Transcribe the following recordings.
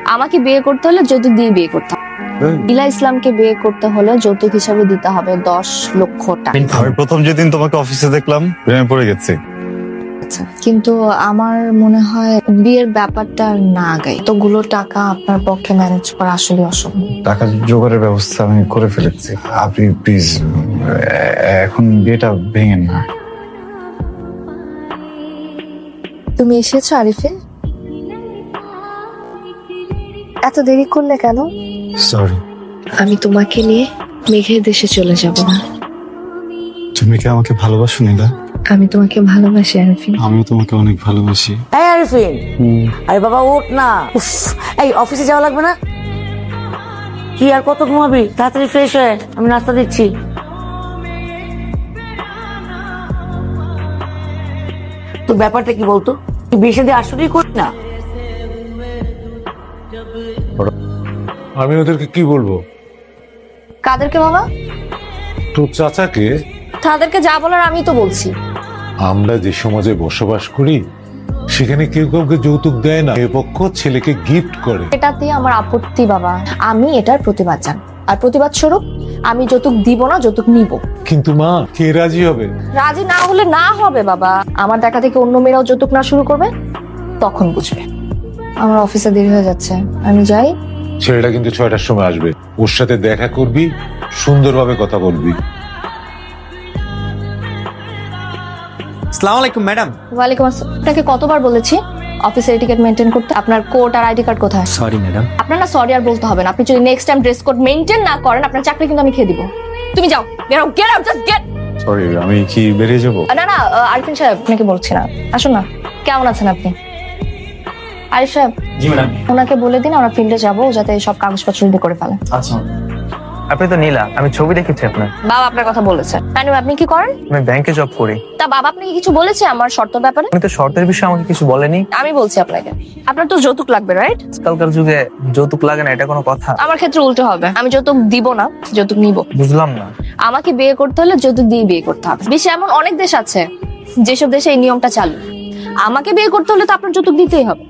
আমাকে বিয়ে করতে হলে যৌতুক দিয়ে বিয়ে করতে হবে। ইলা ইসলামকে বিয়ে করতে হলে যৌতুক হিসাবে দিতে হবে 10 লক্ষ টাকা। আমি প্রথম যেদিন তোমাকে অফিসে দেখলাম প্রেমে পড়ে গেছি। আচ্ছা, কিন্তু আমার মনে হয় বিয়ের ব্যাপারটা না আগাই, এতগুলো টাকা আপনার পক্ষে ম্যানেজ করা আসলে অসম্ভব। টাকা জোগাড়ের ব্যবস্থা আমি করে ফেলেছি, আপনি প্লিজ এখন বিয়েটা ভেঙেন না। তুমি এসেছো আরিফিন? এত দেরি করলে কেন? সরি। আমি তোমাকে নিয়ে মেঘের দেশে চলে যাব না। তুমি কি আমাকে ভালোবাসো নীলা? আমি তোমাকে ভালোবাসি আরিফিন। আমিও তোমাকে অনেক ভালোবাসি। এই আরিফিন, আরে বাবা উঠ না। উফ, এই অফিসে যাওয়া লাগবে না? কি আর কত ঘুমাবি? তাড়াতাড়ি ফ্রেশ হয়ে আমি নাস্তা দিচ্ছি। তো ব্যাপারটা কি বলতো? তুই বিয়ে শাদী আসলেই করি না? আমি ওদেরকে কি বলবো? কাদেরকে বাবা? তোর চাচাকে। তাদেরকে যা বলার আমি তো বলছি। আমরা যে সমাজে বসবাস করি সেখানে কেউ কাউকে যৌতুক দেয় না, এ পক্ষ ছেলেকে গিফট করে। এটাতে আমার আপত্তি বাবা, আমি এটার প্রতিবাদ জানাই। আর প্রতিবাদ স্বরূপ আমি যৌতুক দিব না, যৌতুক নিব। কিন্তু মা, কে রাজি হবে? রাজি না হলে না হবে বাবা। আমার দেখা থেকে অন্য মেয়েরাও যৌতুক না শুরু করবে, তখন বুঝবে। আমার অফিসে দেরি হয়ে যাচ্ছে, আমি যাই। ছেলেটা কিন্তু 6টার সময় আসবে, ওর সাথে দেখা করবি, সুন্দরভাবে কথা বলবি। আসসালামু আলাইকুম ম্যাডাম। ওয়ালাইকুম আসসালাম। আপনাকে কতবার বলেছি অফিসের এটিকেট মেনটেন করতে? আপনার কোড আর আইডি কার্ড কোথায়? Sorry madam. আপনার না সরি আর বলতে হবে না। আপনি যদি next time dress code maintain না করেন, আপনার চাকরি কিন্তু আমি খেয়ে দিব। তুমি যাও, বেরো, get out, just get. Sorry, আমি কি বেরিয়ে যাব? না না, আরিফিন সাহেব আপনাকে বলছি না। আসুন না, কেমন আছেন আপনি? আরিফ সাহেব, জি ম্যাডাম। ওনাকে বলে দিন আমরা ফিল্ডে যাবো, যাতে সব কাগজপত্র রেডি করে ফেলেন। আচ্ছা। আপনি তো নীলা, আমি ছবি দেখেছি আপনার। বাবা আপনার কথা বলেছে। আপনি কি করেন? আমি ব্যাংকে জব করি। তা বাবা আপনাকে কিছু বলেছে আমার শর্ত ব্যাপারে? আমি তো শর্তের বিষয়ে আমাকে কিছু বলেনি। আমি বলছি আপনাকে, আপনার তো যৌতুক লাগবে, রাইট? আজকালকার যুগে যৌতুক লাগে না, এটা কোনো কথা? আমার ক্ষেত্রে উল্টো হবে, আমি যৌতুক দিব না, যৌতুক নিব। বুঝলাম না। আমাকে বিয়ে করতে হলে যৌতুক দিয়ে বিয়ে করতে হবে। বিশ্বে এমন অনেক দেশ আছে যেসব দেশে এই নিয়মটা চালু। আমাকে বিয়ে করতে হলে তো আপনার যৌতুক দিতেই হবে।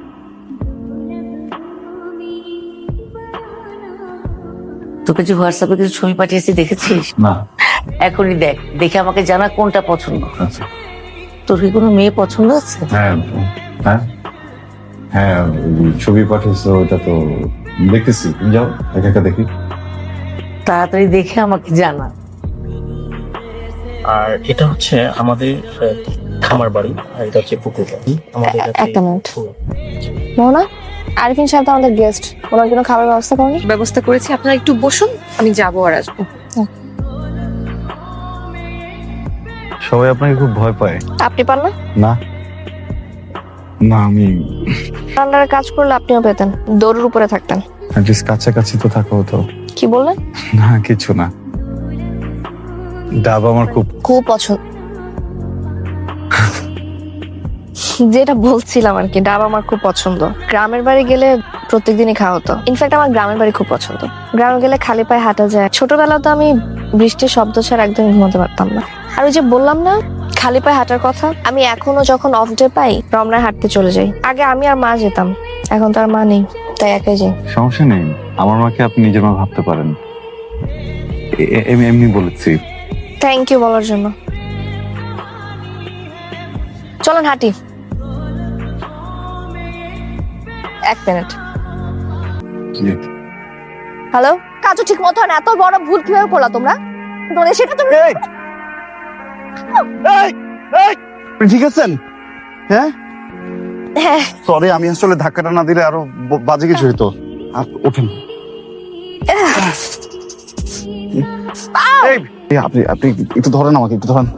তোকে যে হোয়াটসঅ্যাপে কিছু ছবি পাঠিয়েছি দেখেছিস? না। এখনই দেখ, দেখে আমাকে জানা কোনটা পছন্দ। আচ্ছা। তোর কি কোনো মেয়ে পছন্দ আছে? হ্যাঁ হ্যাঁ হ্যাঁ, ছবি পাঠিয়েছো, ওটা তো দেখতেছি। তুমি যাও, একা একা দেখি। তাড়াতাড়ি দেখে আমাকে জানা। আর এটা হচ্ছে আমাদের খামার বাড়ি, আর এটা হচ্ছে পুকুর বাড়ি আমাদের কাছে। একটা মিনিট মোহনা, আরিফিন সাহেব তো আমাদের গেস্ট, ওনার জন্য খাবার ব্যবস্থা করেন? ব্যবস্থা করেছি, আপনারা একটু বসুন, আমি যাবো আর আসবো। সবাই আপনাকে খুব ভয় পায়। আপনি পান না? না না, আমি আন্ডারে কাজ করলে আপনিও পেতেন, দৌড়ের উপরে থাকতেন। অ্যাটলিস্ট কাছাকাছি তো থাকা হতো। কি বললেন? না, কিছু না। ডাব আমার খুব খুব পছন্দ। যেটা বলছিলাম আর কি, ডাব আমার খুব পছন্দ। গ্রামের বাড়ি গেলে প্রত্যেকদিনই খাওয়া হতো। ইনফ্যাক্ট আমার গ্রামের বাড়ি খুব পছন্দ। গ্রামে গেলে খালি পায়ে হাঁটা যায়। ছোটবেলা তো আমি বৃষ্টির শব্দ ছাড়া একদম ঘুমাতে পারতাম না। আর ওই যে বললাম না খালি পায়ে হাঁটার কথা, আমি এখনো যখন অফ ডে পাই রমনায় হাঁটতে চলে যাই। আগে আমি আর মা যেতাম, এখন তো আর মা নেই, তাই একাই যাই। সমস্যা নেই, আমার মাকে আপনি নিজের মা ভাবতে পারেন। এমনি বলেছি। থ্যাংক ইউ বলার জন্য। চলেন হাঁটি। এক মিনিট। হ্যালো, কাজও ঠিক মতো হয় না, এত বড় ভুল কিভাবে করলা তোমরা? সেটা তুমি ঠিক আছেন? হ্যাঁ হ্যাঁ। সরি, আমি আসলে ধাক্কাটা না দিলে আরো বাজে কিছু হইতো। ওঠেন। আপনি আপনি একটু ধরেন, আমাকে একটু ধরেন।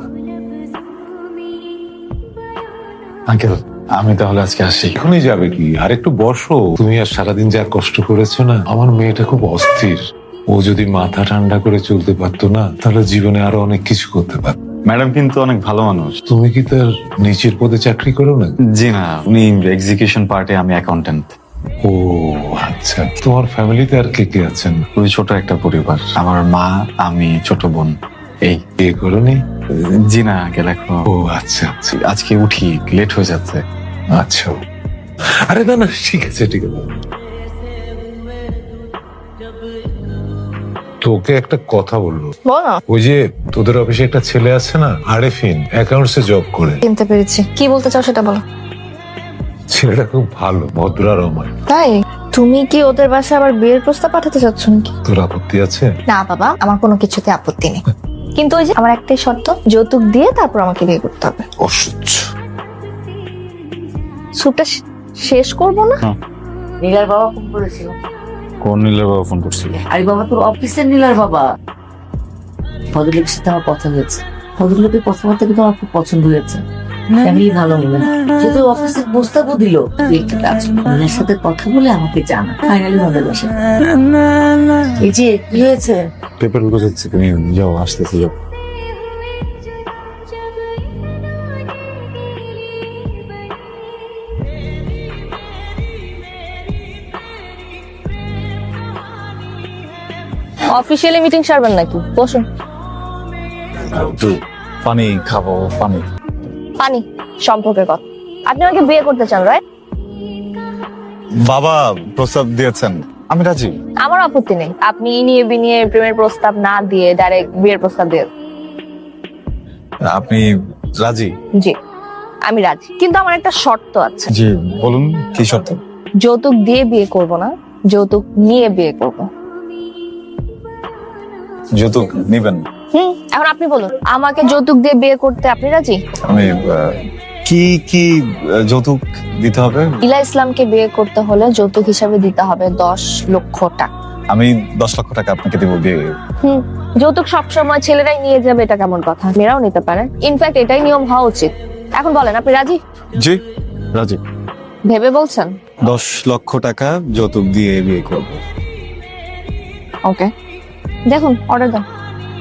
আঙ্কেল, আমি তাহলে আজকে আসি। এখনই যাবে কি? আর একটু বসো। তুমি আর সারাদিন যা কষ্ট করেছো না, আমার মেয়েটা খুব অস্থির। ও যদি মাথা ঠান্ডা করে চলতে পারতো না, তাহলে জীবনে আরো অনেক কিছু করতে পারত। ম্যাডাম কিন্তু অনেক ভালো মানুষ। তুমি কি তার নিচের পদে চাকরি করো না? জি না, উনি এক্সিকিউশন পার্টে, আমি অ্যাকাউন্টেন্ট। ও আচ্ছা। তোমার ফ্যামিলিতে আর কে কে আছেন? খুবই ছোট একটা পরিবার। আমার মা, আমি, ছোট বোন, এই। বিয়ে করোনি? জি না আঙ্কেল, এখন। ও আচ্ছা আচ্ছা আজকে উঠি, লেট হয়ে যাচ্ছে। আচ্ছা। আরে না না, ঠিক আছে ঠিক আছে। তোকে একটা কথা বললো, বল না। ওই যে তোদের অফিসে একটা ছেলে আছে না, আরেফিন, অ্যাকাউন্টসে জব করে। চিনতে পেরেছি, কি বলতে চাও সেটা বলো। ছেলেটা খুব ভালো, ভদ্র আর অমায়িক। তাই তুমি কি ওদের বাসায় আবার বিয়ের প্রস্তাব পাঠাতে চাচ্ছ নাকি? তোর আপত্তি আছে? না বাবা, আমার কোনো কিছুতে আপত্তি নেই, কিন্তু ওই যে আমার একটাই শর্ত, যৌতুক দিয়ে তারপর আমাকে বিয়ে করতে হবে। অসহ্য। স্যুপটা শেষ করবো না? নীলার বাবা ফোন করেছিল। কোন নীলের বাবা ফোন করছিল? আরে বাবা, তোর অফিসের নীলার বাবা। ভদ্রলোকের সাথে আমার কথা হয়েছে। ভদ্রলোকের কথাবার্তা কিন্তু আমার খুব পছন্দ হয়েছে। ফ্যামিলি ভালো বলে যেহেতু অফিসের প্রস্তাবও দিল, তুই একটা কাজ কর, নীলার সাথে কথা বলে আমাকে জানা। ফাইনালি হবে বসে। এই যে কি হয়েছে? পেপার গোছাচ্ছি, তুমি যাও, আসতেছি, যাও। অফিসিয়ালি মিটিং সারবেন নাকি? বসুন। একটু পানি খাবো, পানি। পানি সম্পর্কের কথা, আপনি আমাকে বিয়ে করতে চান, রাইট? বাবা প্রস্তাব দিয়েছেন, আমি রাজি। আমার আপত্তি নেই, আপনি নিয়ে বিনিয়ে প্রেমের প্রস্তাব না দিয়ে ডাইরেক্ট বিয়ের প্রস্তাব দিয়ে। আপনি রাজি? জি আমি রাজি, কিন্তু আমার একটা শর্ত আছে। জি বলুন, কি শর্ত? যৌতুক দিয়ে বিয়ে করব না, যৌতুক নিয়ে বিয়ে করব। যৌতুক নিবেন? এখন আপনি বলুন, আমাকে যৌতুক দিয়ে বিয়ে করতে আপনি রাজি? আমি কি কি যৌতুক দিতে হবে? ইলা ইসলামকে বিয়ে করতে হলে যৌতুক হিসাবে দিতে হবে 10 লক্ষ টাকা। আমি 10 লক্ষ টাকা আপনাকে দেবো বিয়ে। যৌতুক সবসময় ছেলেরাই নিয়ে যাবে, এটা কেমন কথা? মেয়েরাও নিতে পারে, ইনফ্যাক্ট এটাই নিয়ম হওয়া উচিত। এখন বলেন আপনি রাজি? জি রাজি। ভেবে বলছেন? 10 লক্ষ টাকা যৌতুক দিয়ে বিয়ে করবো। ওকে, দেখুন অর্ডার দেন।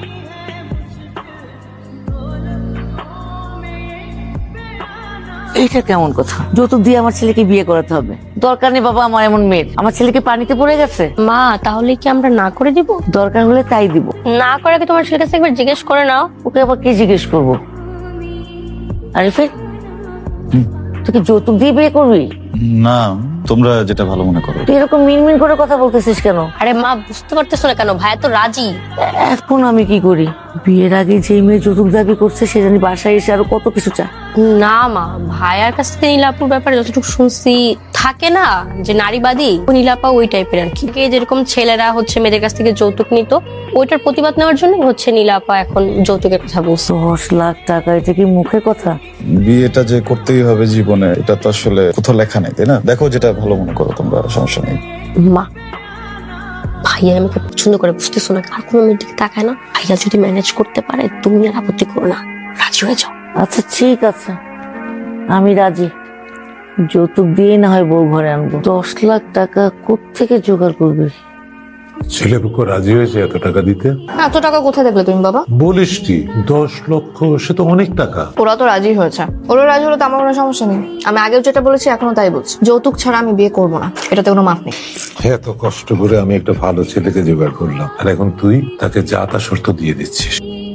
এইটা কেমন কথা? যৌতুক দিয়ে আমার ছেলেকে বিয়ে করাতে হবে? দরকার নেই বাবা, আমার এমন মেয়ের। আমার ছেলেকে পানিতে পড়ে গেছে। মা, তাহলে কি আমরা না করে দিব? দরকার হলে তাই দিব। না করে কি তোমার ছেলের কাছে একবার জিজ্ঞেস করে নাও। ওকে আবার কি জিজ্ঞেস করবো? আরিফিন, তুই কি যৌতুক দিয়ে বিয়ে করবি? না, তোমরা যেটা ভালো মনে করো। তুই এরকম মিনমিন করে কথা বলতেছিস কেন? আরে মা, বুঝতে পারতেছো না কেন? ভাইয়া তো রাজি। এখন আমি কি করি? বিয়ের আগে যে মেয়ে যৌতুক দাবি করছে সে জানি বাসায় এসে আরো কত কিছু চায়। না মা, ভাইয়ার কাছ থেকে নীলাপুর ব্যাপারে যতটুকু শুনছি, থাকে না যে নারীবাদী, নীলাপা ওই টাইপের আর কি। যেরকম ছেলেরা হচ্ছে মেয়েদের কাছ থেকে যৌতুক নিত, ওইটার প্রতিবাদ নেওয়ার জন্য হচ্ছে নীলাপা এখন যৌতুকের কথা বলছে। 10 লাখ টাকা, এটা কি মুখে কথা? বিয়েটা যে করতেই হবে জীবনে, এটা তো আসলে কোথাও লেখা নেই, তাই না? দেখো যেটা ভালো মনে করো তোমরা, সমস্যা নেই। মা, ভাইয়া আমাকে পছন্দ করে, বুঝতেছো না? আর কোনো মেয়ের দিকে তাকায় না। ভাইয়া যদি ম্যানেজ করতে পারে, তুমি আর আপত্তি করো না, রাজি হয়ে যাও। আচ্ছা ঠিক আছে, আমি রাজি। যৌতুক দিয়ে না হয় বউ ঘরে আনবো। 10 লাখ টাকা কোত্থেকে জোগাড় করবি? ছেলে পক্ষ রাজি হয়েছে এত টাকা দিতে? এত টাকা কোথায় দেখলে তুমি বাবা? বলিস কি, 10 লক্ষ, সে তো অনেক টাকা। ওরা তো রাজি হয়েছে, ওরা রাজি হলো তো আমার কোনো সমস্যা নেই। আমি আগেও যেটা বলেছি এখনো তাই বলছি, যৌতুক ছাড়া আমি বিয়ে করবো না, এটাতে কোনো মাপ নেই। এত কষ্ট করে আমি একটা ভালো ছেলেকে জোগাড় করলাম, আর এখন তুই তাকে যা তা শর্ত দিয়ে দিচ্ছিস।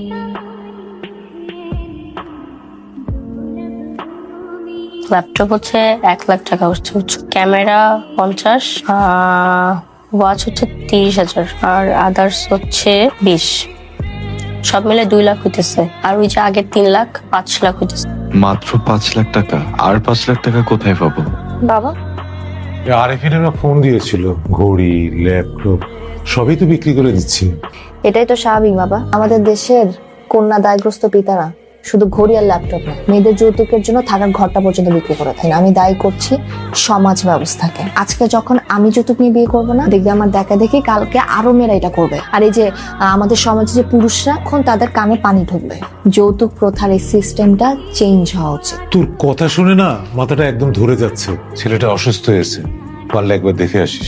ল্যাপটপ হচ্ছে 1 লাখ টাকা হচ্ছে, ক্যামেরা 50, ওয়াচ হচ্ছে 30,000, আর আদার্স হচ্ছে 20। সব মিলে 2 লাখ হইতেছে। আর ওই যে আগের 3 লাখ, 5 লাখ হইতেছে। মাত্র 5 লাখ টাকা? আর 5 লাখ টাকা কোথায় পাবো? বাবা আরেফিনেরা ফোন দিয়েছিল, ঘড়ি, ল্যাপটপ সবই তো বিক্রি করে দিচ্ছি। এটাই তো স্বাভাবিক বাবা, আমাদের দেশের কন্যা দায়গ্রস্ত পিতারা শুধু ঘড়ি আর ল্যাপটপ না, মেয়েদের যৌতুকের জন্য থাকার ঘরটা পর্যন্ত বিক্রি করে থাকেন। আমি দায়ী করছি সমাজ ব্যবস্থাকে। আজকে যখন আমি যৌতুক নিয়ে বিয়ে করবো না, দেখবে আমার দেখা দেখি কালকে আরো মেয়েরা এটা করবে। আর এই যে আমাদের সমাজে যে পুরুষরা, এখন তাদের কানে পানি ঢুকবে। যৌতুক প্রথার এই সিস্টেমটা চেঞ্জ হওয়া উচিত। তোর কথা শুনে না মাথাটা একদম ধরে যাচ্ছে। ছেলেটা অসুস্থ হয়েছে, পারলে একবার দেখে আসিস।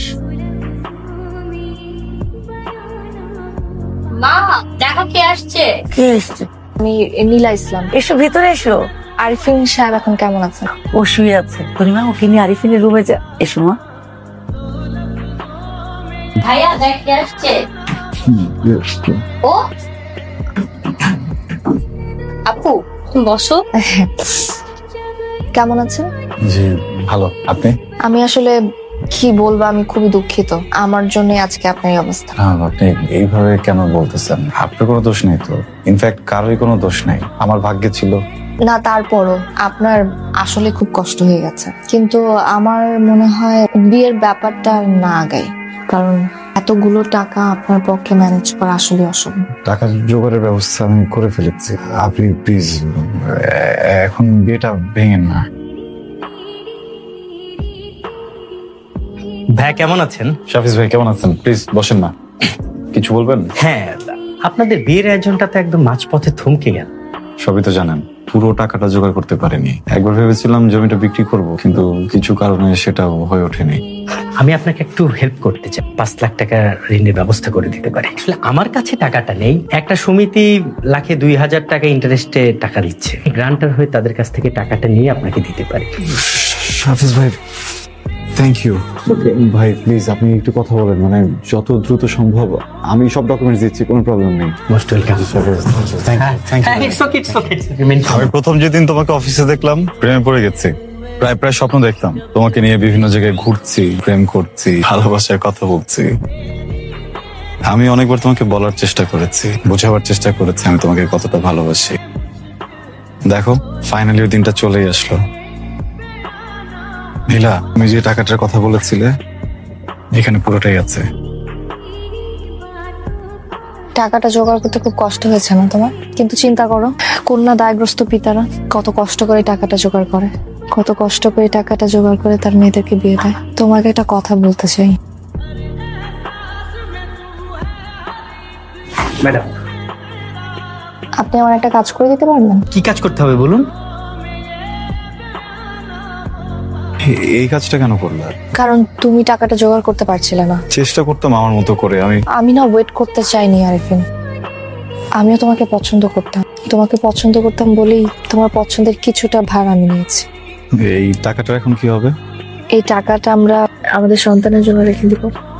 মা, দেখো কে আসছে। কে এসছে? আমি নীলা ইসলাম। এসো ভিতরে এসো। আরিফিন সাহেব এখন কেমন আছেন? ও শুয়ে আছে। পরিমা, ওকে নিয়ে আরিফিনের রুমে যা। এসো মা। ভাইয়া দেখ কে আসছে। ও আপু, বসো। কেমন আছেন? জি ভালো, আপনি? আমি আসলে কি বলবো, আমি খুবই দুঃখিত। আমার জন্য আজকে আপনার এই অবস্থা। আপনি এইভাবে কেন বলতেছেন? আপনার কোনো দোষ নেই তো, ইনফ্যাক্ট কারোই কোনো দোষ নাই, আমার ভাগ্যে ছিল। না, তারপরও আপনার আসলে খুব কষ্ট হয়ে গেছে, কিন্তু আমার মনে হয় বিয়ের ব্যাপারটা আর না আগাই, কারণ এতগুলো টাকা আপনার পক্ষে ম্যানেজ করা আসলে অসম্ভব। টাকা জোগাড়ের ব্যবস্থা আমি করে ফেলেছি, আপনি প্লিজ এখন বিয়েটা ভেঙেন না। ভাই কেমন আছেন? শাফিজ ভাই কেমন আছেন? প্লিজ বসেন না, কিছু বলবেন? হ্যাঁ, আপনাদের বিয়ের আয়োজনটা তো একদম মাঝপথে থমকে গেল। সবই তো জানেন, পুরো টাকাটা জোগাড় করতে পারিনি। একবার ভেবেছিলাম জমিটা বিক্রি করব, কিন্তু কিছু কারণে সেটা হয়ে ওঠেনি। আমি আপনাকে একটু হেল্প করতে চাই, 5 লাখ টাকা ঋণের ব্যবস্থা করে দিতে পারি। আসলে আমার কাছে টাকাটা নেই, একটা সমিতি লাখে 2000 টাকা ইন্টারেস্টে টাকা দিচ্ছে। গ্রান্টার হয়ে তাদের কাছ থেকে টাকাটা নিয়ে আপনাকে দিতে পারি। শাফিজ ভাই থ্যাংক ইউ। ভাই প্লিজ আপনি একটু কথা বলেন, মানে যত দ্রুত সম্ভব। আমি সব ডকুমেন্টস দিচ্ছি, কোনো প্রবলেম নেই। Most welcome. আমি প্রথম যেদিন তোমাকে অফিসে দেখলাম প্রেমে পড়ে গেছি। প্রায় স্বপ্ন দেখতাম, তোমাকে নিয়ে বিভিন্ন জায়গায় ঘুরছি, প্রেম করছি, ভালোবাসার কথা বলছি। আমি অনেকবার তোমাকে বলার চেষ্টা করেছি, বোঝাবার চেষ্টা করেছি আমি তোমাকে কতটা ভালোবাসি। দেখো ফাইনালি ওই দিনটা চলেই আসলো। নীলা, তুমি যে টাকাটার কথা বলেছিলে এখানে পুরোটাই আছে। টাকাটা জোগাড় করতে খুব কষ্ট হয়েছে না তোমার? কিন্তু চিন্তা করো, কন্যা দায়গ্রস্ত পিতারা কত কষ্ট করে টাকাটা জোগাড় করে, কত কষ্ট করে টাকাটা জোগাড় করে তার মেয়েদেরকে বিয়ে দেয়। তোমাকে একটা কথা বলতে চাই। ম্যাডাম, আপনি আমার একটা কাজ করে দিতে পারবেন? কি কাজ করতে হবে বলুন? এই কাজটা কেন করলে? কারণ তুমি টাকাটা জোগাড় করতে পারছিলে না। চেষ্টা করতাম আমার মতো করে। আমি না ওয়েট করতে চাইনি আরিফিন, আমিও তোমাকে পছন্দ করতাম। তোমাকে পছন্দ করতাম বলেই তোমার পছন্দের কিছুটা ভার আমি নিয়েছি। এই টাকাটা এখন কি হবে? এই টাকাটা আমরা আমাদের সন্তানের জন্য রেখে দিব।